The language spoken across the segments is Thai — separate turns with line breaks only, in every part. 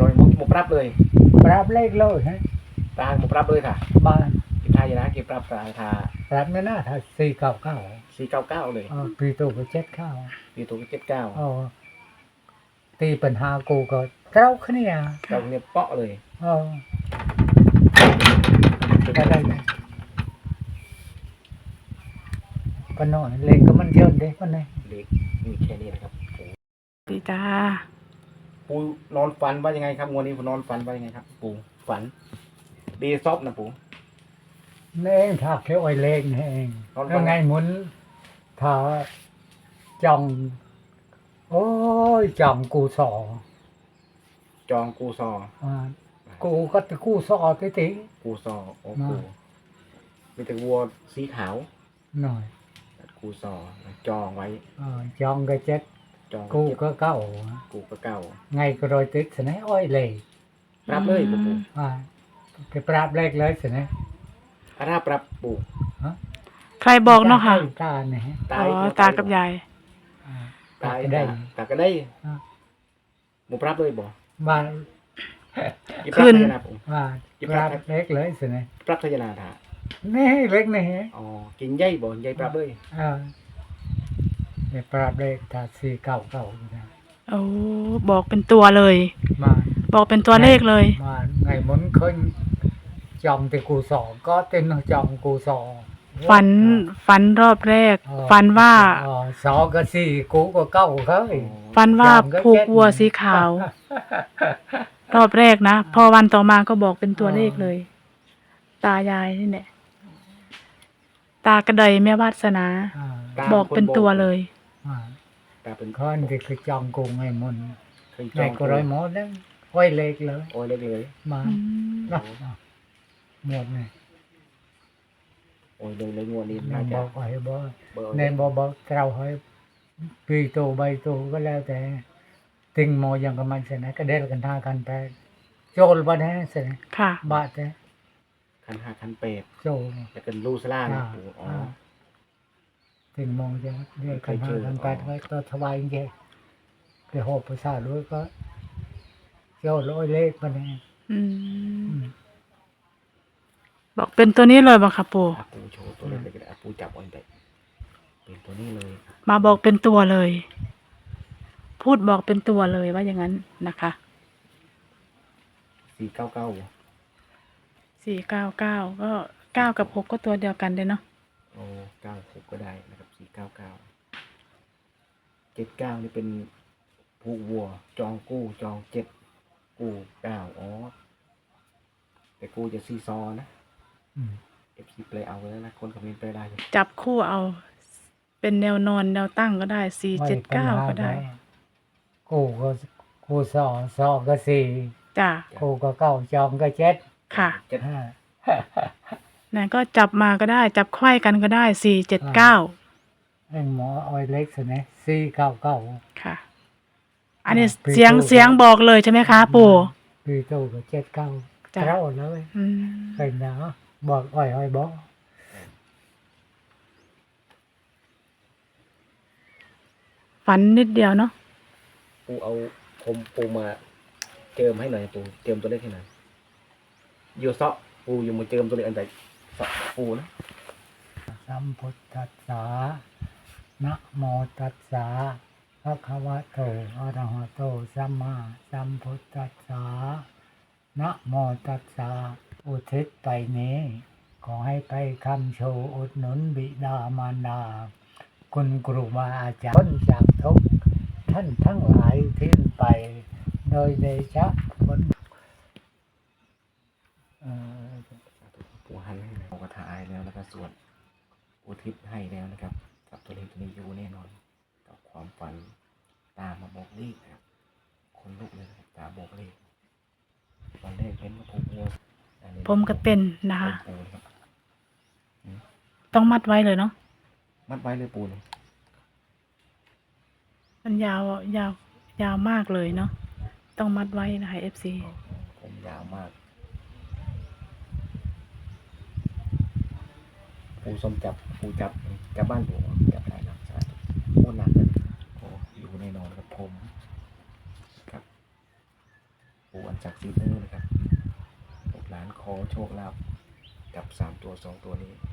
rồi một rápเลย
ปรับเลขเลยฮะ
ตาmột rápเลยค่ะ
บ้าน
กินทายนะกินปรับตาทา
ปรับไม่น่าถ้า499
499เลย
ปีตัวก็79
ปีตัวก็79
ตีปัญหากูก็เจ้าขึ้นเนี่ย
เราเนี่ยเปาะเลย
ก็ได้ก็น้อยเลขก็มันเยอะเด็กคนไหน
เล็กมีแค่นี้นะครับ
ปีตา
ปูนอนฝันว่ายังไงครับวันนี้ปูนอนฝันว่ายังไงครับ ปูฝันดีซอบนะปู
นี่เองถ้าเขียวไอ้เลขนี่เองแล้วไงหมุนถ้าจ่องโอ้ยจ่องกูสอ
จองกูซอ
กูก็ตะกูสอติติ
กูซอโอ้กูมีแต่วัวสีขาว
หน่อย
กูซอจองไว้
จองก็เจ็ด
จอง
กูก็เก้า
กูก็เก่า
ไงก็โดยติดสนะอ้อยเลย
ปรับเลยปู
ก็ปราบเลขเลยสนะ
อาราปรับปู
ใครบอกเนาะค่ะ
ตาเนี่ย
อ๋อตากับยาย
ตายได้ตาก็ได้หมูปรับเลยบ่
บ้าน
ขึ้น
ว่าปราบเลขเลยสนะ
ปรับทยนาถา
นี่เล็กนี่
อ๋อกินใหญ่บ่ใหญ่ปรับเลย
เนี่ยปราบเลขถ้า499นะ
โอ้บอกเป็นตัวเลย
มา
บอกเป็นตัวเลขเลย
มาไงหมุนเคยจองแต่กูสอก็เต็มจองกูสอ
ฝันรอบแรก ฝันว่า
สอก็สี่กูก็เก้าเคย
ฝันว่าผูกวัวสีขาว รอบแรกนะ พอวันต่อมาก็บอกเป็นตัวเลขเลย ตายายนี่แหละตากระเดยแม่วาสนา บอกเป็นตัวเลย
ตาเป็น
คนที่คือจองกูไงมุน
เคยจ
ไง
อง
ก็ร้อยหมดแล้วไว้เล็กเลย
โอ้ยเล็กเลย
มา
อืม
หมดเลย
โอ้ยเลยงวดนี้
ใน
น่า
บ
จะ
อกให้บอก
เบอร์
ในบอกเราให้ปีโตใบโตก็แล้วแต่ติงโมยังกับมันเสนะก็เด็ดกันท่ากันไปโจลบ้านแน่เสนะ
ค่ะ
บาดแต่
คันห้าคันเป็ด
โจล
จะเป็นลูซล่านะปูอ๋อ
ติงโมยังเด็ดกันท่ากันไปก็ตัวถวายเงี้ยไปหอบภาษาด้วยก็โจลร้อยเลขมาแน่
อืมบอกเป็นตัวนี้เลยบ่ค่ะปู่
อาปูโชว์ตัวเล็กเลยอาปูจับเอันเด็กเป็นตัวนี้เลย
มาบอกเป็นตัวเลย พูดบอกเป็นตัวเลยว่าอย่างนั้นนะคะ
499
499ก็9กับ6ก็ตัวเดียวกันเลยเนาะ
โอ้96ก็ได้นะครับ499 79นี่เป็นผูกวัวจองกู้จอง7กู้9อ๋อแต่กู้จะซีซอนะ FC เปลเอาไว้แล้วนะคนคอมเมนต์ไปได้อยู่
จับคู่เอา เป็นแนวนอนแนวตั้งก็ได้479ก็ได้
กูสอสอก็สี่
จ้ะ
กูก็เก้าจองก็เจ็ด
ค่ะ
5
นั่นก็จับมาก็ได้ จับไขว้กันก็ได้479
ไอ้หมออ้อยเล็กสินะ499
ค่ะ อันนี้เสียงบอกเลยใช่ไหมคะ ปู่
ปีโตก็79
จ้ะ
เจ้าเลย
อืม
เคยนะบอกอ้อยบอก
ฝันนิดเดียวเนาะ
ปูเอาปูมาเจิมให้หน่อยปูเจิมตัวเลขให้หน่อยโยเซาะปูอยู่มาเจิมตัวเลขอันใดเซาะปูนะ
สัมพุทธัสสะนะโมตัสสะภะคะวะโตอะระหะโตสัมมาสัมพุทธัสสะนะโมตัสสะอุทิศไปนี้ขอให้ไปคำโชว์อุดหนุนบิดามารดาคุณครูบาอาจารย์พ้นจากทุกข์ท่านทั้งหลายทิ้งไปโดยเดชะผล
ปูหันให้หน่อยกระถายแล้วแล้วก็สวดอุทิศให้แล้วนะครับกับตัวเลขตัวนี้อยู่แน่นอนกับความฝันตามาบอกเลขนะครับคนลุกเลยนะครับตาบอกเลขตอนแรกเห็นว่าผูกวัว
ผมก็เป็นนะคะ
ปูนะครับ
ต้องมัดไว้เลยเนาะ
มัดไว้เลยปูเลย
มันยาวมากเลยเนาะ ต้องมัดไว้นะคะ FC
ผมยาวมากปูส้มปูจับบ้านปูจับได้นะสาธุโอ้หนักเลยโอ้อยู่แน่นอนครับผมครับปูอัญศักดิ์สิทธิ์เลยนะครับลูกหลานขอโชคลาภกับ3 ตัว 2 ตัวนี้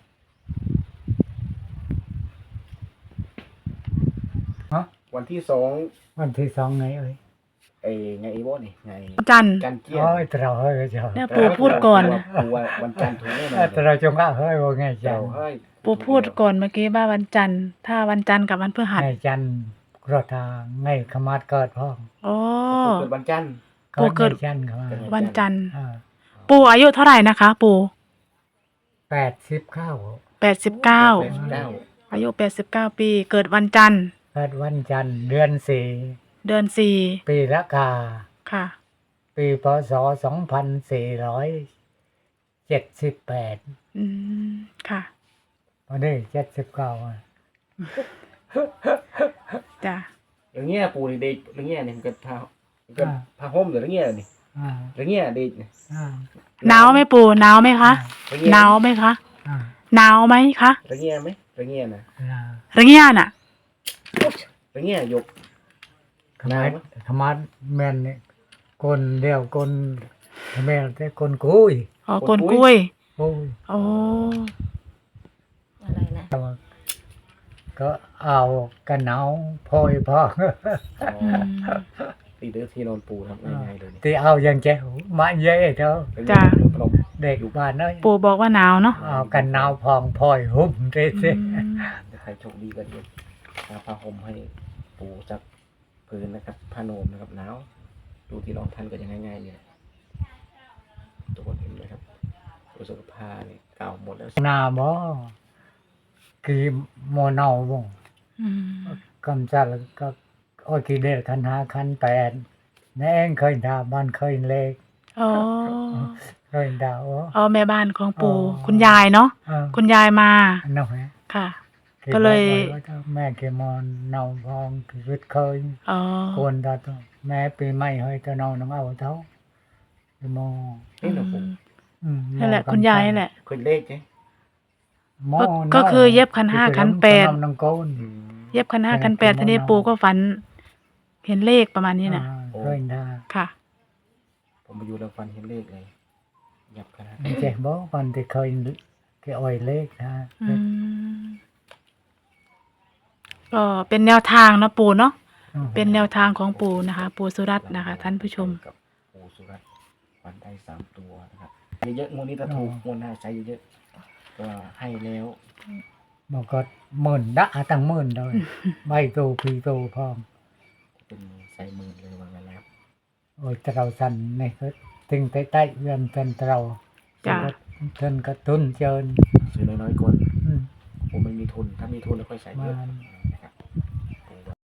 ฮะ
วันที่
วันที่สองไงเอ้ย
2ไงอีโบนี่ไง
จันทร์
จันเจียน
โอ้ยเราเฮ้ยเจ้า
เนี่ยปู่พูดก่อน
ปู่ว่าวันจันทร์ถูกแน่นอน
แต่เราจงว่าเฮ้ยว่าไงจั
เจ้าน เฮ้ย
ปู่พูดก่อนเมื่อกี้ว่าวันจันทร์ถ้าวันจันทร์กับวันพฤหัส
ไงจันกรทาไงขมาดเกิดพ่อง
โอ้
เกิดวันจันทร์
ปู่เกิด
ไงจันขมาด
วันจันทร์
89
ปู่อายุเท่าไหร่นะคะ ปู่ 89
89
อายุ89 ปีเกิดวันจันทร์
เกิดวันจันทร์เดือน
เดือน
4ปีละกา
4ค่ะ
ปีพศ2478
อืมค่ะ
วันนี้79อ่ะ
จ้ะ
อย่างเงี้ยปู่นี่เด็กอย่างเงี้ยนี่มันก็พาห่มหรืออย่างเงี้ยนี่
อ่า
อย่างเงี้ยเด็กนี่
อ่า
หนาวไหมปู่หนาวไหมคะ
อย่างเงี้ย
หนาวไหมคะ
อ่า
หนาวไหมคะ
อย่างเงี้ยไหมอย่างเงี้ยนะ
อ่า
ระเงียน่ะ
อย่างเงี้ยยก
ขมาดขมาดแม่นนี่คนเดียวคนแม่แต่คนกุย
อ๋อกลกล้วย
โอ้ย
โอ้
อะไรนะ
ก็เอากันหนาวพอยพอ
อืม
ตีเดือที่นอนปู่ทำง่ายๆเลยนี่
ที่เอาอย่างแจ๋วมาเย่เถอะ
จ้ะ
พนม
เด็กบ้านน้อย
ปู่บอกว่าหนาวเนาะ
เอากันหนาวพองพอยหุ่มเร
อื
ซิ
ม
ถ้าใครโชคดีก็เดี๋ยวเอาผ้าห่มให้ปู่จักพื้นนะครับผ้าโนมนะครับหนาวดูที่นอนท่านก็ยังง่ายๆเนี่ยตัวคนเห็นเลยครับตัวสุขภาพนี่เก่าหมดแล้ว
หน้าบ่กี่โมเนาบ่
อืม
กำจัดแล้วก็โอ้ยกี่เดือนคัน5คัน8แน่งเคยด่าบ้านเคยเล็ก
อ๋อ
เคยด่าโอ้
อ๋อแม่บ้านของปู่
อ๋อ
คุณยายเนาะ
เออ
คุณยายมา
อันนั้นแหละ
ค่ะ
กี่
ก็เลย
บอกว่าแม่เกมอนเนาพองคือเคย
อ๋อ
โกนตาตัวแม่ปีใหม่เฮ้ยตะเนาน้องเอาเท่าไปมอง
นี่นะปู่
นั่นแหละคุณยายนั่นแหละ
เคยเลขไหม
หม้อ
ก็คือเย็บคันห้าคันแปด
น้องโกน
เย็บคัน 5 คัน 8ทีนี้ปู่ก็ฝัน เห็นเลขประมาณนี้น่ะ
เคยด่า
ค่ะ
ผมมาอยู่แล้วฟันเห็นเลขเลยยับขนาด
เจ๊บอกวันที่เคยแกอ่อยเลขนะ
อืมก็เป็นแนวทางเนาะปู่เนาะเป็นแนวทางของปู่นะคะ ปู่สุรัตน์นะคะ ท่านผู้ชม
กับปู่สุรัตน์ฟันได้3 ตัวนะครับเยอะๆงวดนี้ถ้าถูกงวดหน้าใช้เยอะๆก็ให้แล้ว
บอกก็หมื่นดะตั้งหมื่นเลยใบตูพีตูพร้อม
เป็นใส่หมื่นเลยว่างั้นแล้ว
โอ้ยเตราสันนี่ก็ถึงใต้ๆเรือนเป็นเตรา
จ้ะ
เทินกระตุ้นเจิน
ซื้อน้อยๆก่อน
อืม
ผมไม่มีทุนถ้ามีทุนแล้วค่อยใส่เยอะ
มา